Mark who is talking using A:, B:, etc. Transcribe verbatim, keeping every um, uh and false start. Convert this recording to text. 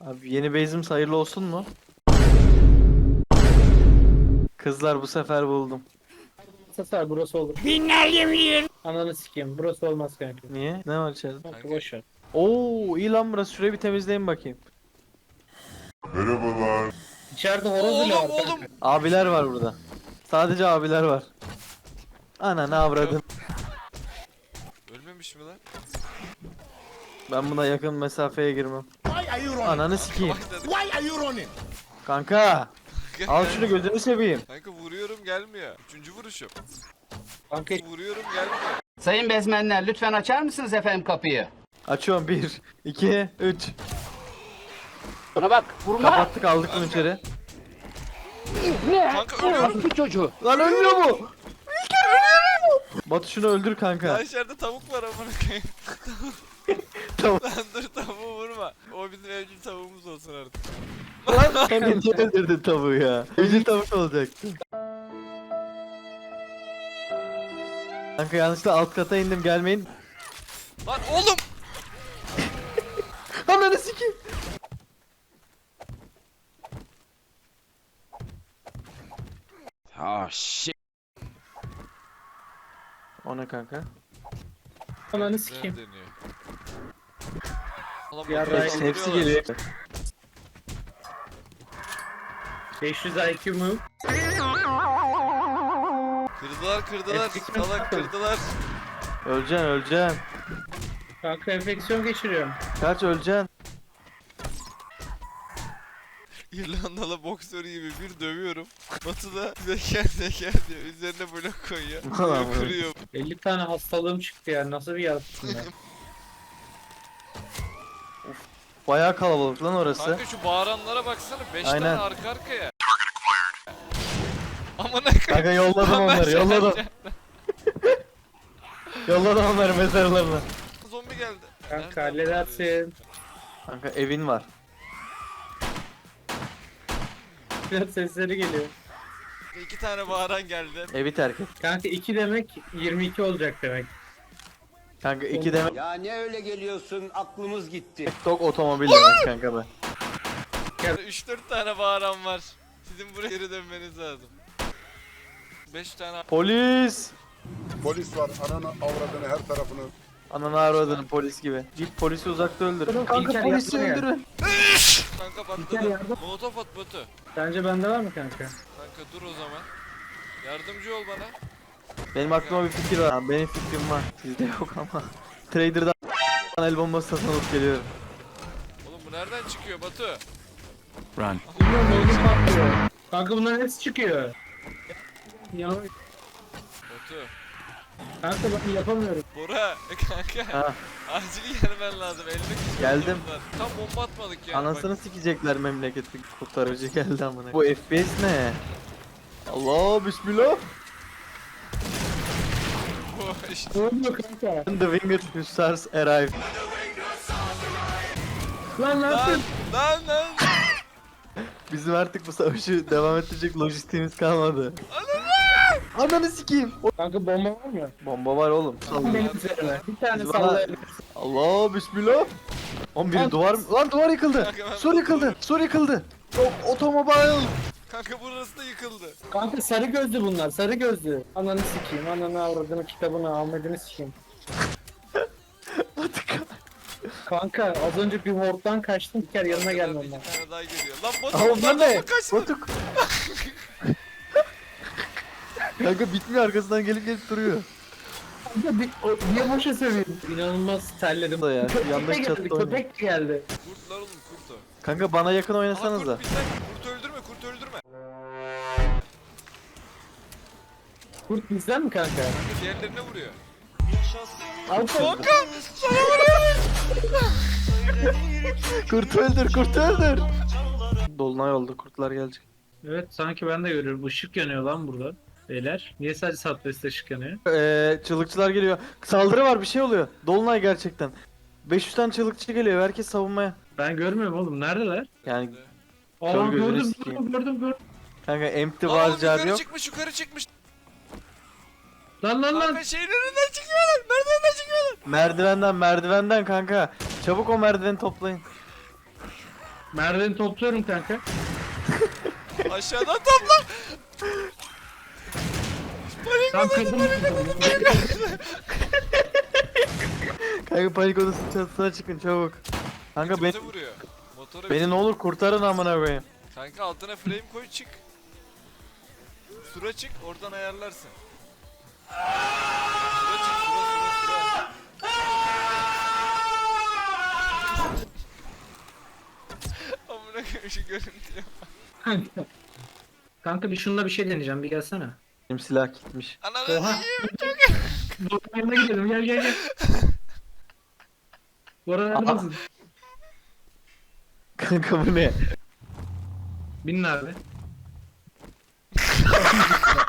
A: Abi yeni base'im hayırlı olsun mu? Kızlar bu sefer buldum.
B: Sefer burası olur. Ananı sikeyim. Burası olmaz kanka.
A: Niye? Ne var içeride?
B: Kanka boş ver.
A: Oo iyi lan burası. Şurayı bir temizleyin bakayım.
C: Merhabalar.
B: İçeride horoz bile var
D: Oğlum
B: kanka.
D: oğlum.
A: Abiler var burada. Sadece abiler var. Ana ne avradın.
D: Ölmemiş mi lan?
A: Ben buna yakın mesafeye girmem. Ananı sikeyim.
D: Bak dedim.
C: Why are you running?
A: Kanka. Al şunu gözünü seveyim.
D: Kanka vuruyorum gelmiyor. Üçüncü vuruşum.
B: Kanka
D: Vuruyorum gelmiyor.
E: Sayın bezmenler lütfen açar mısınız efendim kapıyı?
A: Açıyorum bir, iki, üç.
E: Buna bak vurma.
A: Kapattık aldık bunu içeri.
E: Ne?
D: Kanka ölüyorum.
E: Bu çocuğu.
A: Lan ölmüyor mu? Batu şunu öldür kanka.
D: Ya içeride tavuk var amına koyayım.
A: Tamam.
D: Lan dur tavuğu vurma. O bizim evcil tavuğumuz olsun artık.
A: Lan kanka niye öldürdün tavuğu ya? Evcil tavuk olacaktı. Kanka yanlışlıkla alt kata indim gelmeyin.
D: Lan oğlum.
A: Ananı sikeyim.
E: Ah shit.
A: O ne kanka?
B: ananı
D: Güzel
B: sikeyim.
D: deniyor. Ulan
B: Ya
D: bakıyorum,
A: Hepsi,
B: Ray-
A: hepsi
D: vuruyorlar.
A: geliyor.
B: beş yüz I Q move.
D: Kırdılar kırdılar.
B: Enfeksiyon
D: Salak
B: yaptım.
D: kırdılar.
A: Öleceksin öleceksin.
B: Kanka enfeksiyon geçiriyorum.
A: Kaç öleceksin.
D: İrlandalı boksör gibi bir dövüyorum. Batu da zeker zeker diyor. Üzerine blok koyuyor.
A: Ulan
D: Vuruyor, kırıyor.
B: elli tane hastalığım çıktı ya. Nasıl bir yaratıksın ya.
A: Bayağı kalabalık lan orası.
D: Kanka şu bağıranlara baksana. beş
A: Aynen.
D: tane arka arkaya. Aman ne
A: Kanka yolladım onları yolladım. Yolladım onları mezarlarına.
D: Zombi geldi.
B: Kanka
D: Nereden
B: halledersin.
A: Kanka evin var.
B: Biraz sesleri geliyor.
D: vuruyor? İki tane bağıran geldi.
A: Evi terk et.
B: Kanka iki demek yirmi iki olacak demek.
A: Kanka iki demek
E: Ya ne öyle geliyorsun aklımız gitti.
A: tok otomobil demek kanka be.
D: üç dört tane bağıran var. Sizin buraya geri dönmeniz lazım. beş tane
A: Polis!
C: Polis var. Ananı avradını her tarafını.
A: Ananı avradını polis gibi. Git polisi uzakta öldür.
B: İlker
A: Kanka polisi
B: yapma ya.
A: öldürün.
D: kanka
B: İlker
D: patladı.
B: yardım.
D: Molotof at Batu.
B: Sence bende var mı kanka?
D: Kanka dur o zaman. Yardımcı ol bana.
A: Benim aklıma bir fikir var. Ha, benim fikrim var. Sizde yok ama. Trader'dan el bombası satın alıp geliyorum.
D: Oğlum bu nereden çıkıyor Batu?
E: Run.
B: Bilmiyorum neyini patlıyor. Kanka bunların hepsi çıkıyor. Ya
D: Batu.
B: kanka ben yapamıyorum.
D: Bora kanka.
A: Ha.
D: Acil gelmen lazım. Elinde küçük
A: Geldim.
D: var. Tam bomba atmadık ya.
A: Anasını sikecekler memleketi kurtarıcı geldi amına. Bu F P S ne? Allah bismillah.
D: Bak, bu işte.
B: Ne oluyor kanka?
A: The winged hussars arrive.
B: Lan ne
D: Lan
B: yaptın?
D: lan lan.
A: Bizim artık bu savaşı devam ettirecek lojistiğimiz kalmadı. Ananı sikeyim. O-
B: Kanka bomba var mı?
A: Bomba var oğlum.
B: Benim üzerine. Bir tane
A: Biz bana-
B: sallayabilirsin.
A: Allah bismillah. on bir
B: Lan-
A: duvar lan duvar yıkıldı.
D: Kanka ben-
A: Sur yıkıldı. Sur yıkıldı. O otomobil.
D: Kanka burası da yıkıldı.
B: Kanka sarı gözlü bunlar, sarı gözlü. Ananı sikeyim, ananı avradını, kitabını, Ahmet'ini sikeyim. Kanka az önce bir horddan kaçtım, bir kere yanına gelmem
D: Bir
B: lazım.
D: tane daha geliyor. Lan Batu
A: Aa onlar ne?
D: Batu kaçtı.
A: Batuk. Kanka bitmiyor arkasından gelip gelip duruyor.
B: Kanka bir, o, niye boşa söylüyorsun? İnanılmaz terledim.
A: Da ya,
B: Köpek de
A: yandaki
B: geldi,
A: çatıda oynuyor.
B: köpek de geldi.
D: Kurt lan oğlum kurt o.
A: Kanka bana yakın
D: Aha
A: oynasanıza.
D: kurt bizden. Kurt öldürme kurt öldürme.
B: Kurt bizden mi kanka?
D: Kanka diğerlerine vuruyor.
B: Al
D: Kanka.
A: Kurt öldür, kurt öldür. Dolunay oldu, kurtlar gelecek.
B: Evet sanki ben de görüyorum. Işık yanıyor lan burada. Beyler. Niye sadece Southwest ışık yanıyor?
A: Ee, çığlıkçılar geliyor. Saldırı var, bir şey oluyor. Dolunay gerçekten. beş yüz tane çığlıkçı geliyor, herkes savunmaya.
B: Ben görmüyorum oğlum. Neredeler?
A: Yani
B: Aa
A: Kör gözünü
B: gördüm,
A: sikeyim.
B: gördüm gördüm gördüm.
A: kanka empty
D: Lan
A: var,
D: oğlum
A: car
D: yukarı
A: yok.
D: çıkmış yukarı çıkmış.
B: Lan lan lan.
D: Kanka şeylerinden çıkıyorlar. Merdivenden çıkıyorlar.
A: Merdivenden, merdivenden kanka. Çabuk o merdiveni toplayın.
B: Merdiveni topluyorum kanka.
D: Aşağıdan topla.
B: Tam kadın.
A: Kanka panik odasının çatısına çıkın çabuk. Kanka beni,
D: Götümüze vuruyor. Motora
A: beni ne olur kurtarın amına koyayım.
D: Kanka altına frame koy çık. Sura çık oradan ayarlarsın. Sura çık sura sura sura. Amına koyayım şu görüntüye.
B: Kanka. Kanka bir şununla bir şey deneyeceğim bir gelsene.
A: Benim silah gitmiş.
D: Ananı
B: Oha.
D: sikeyim.
B: Bora yanına gidelim gel gel gel. Bora neredesin?
A: Kanka bu ne?
B: Bin abi.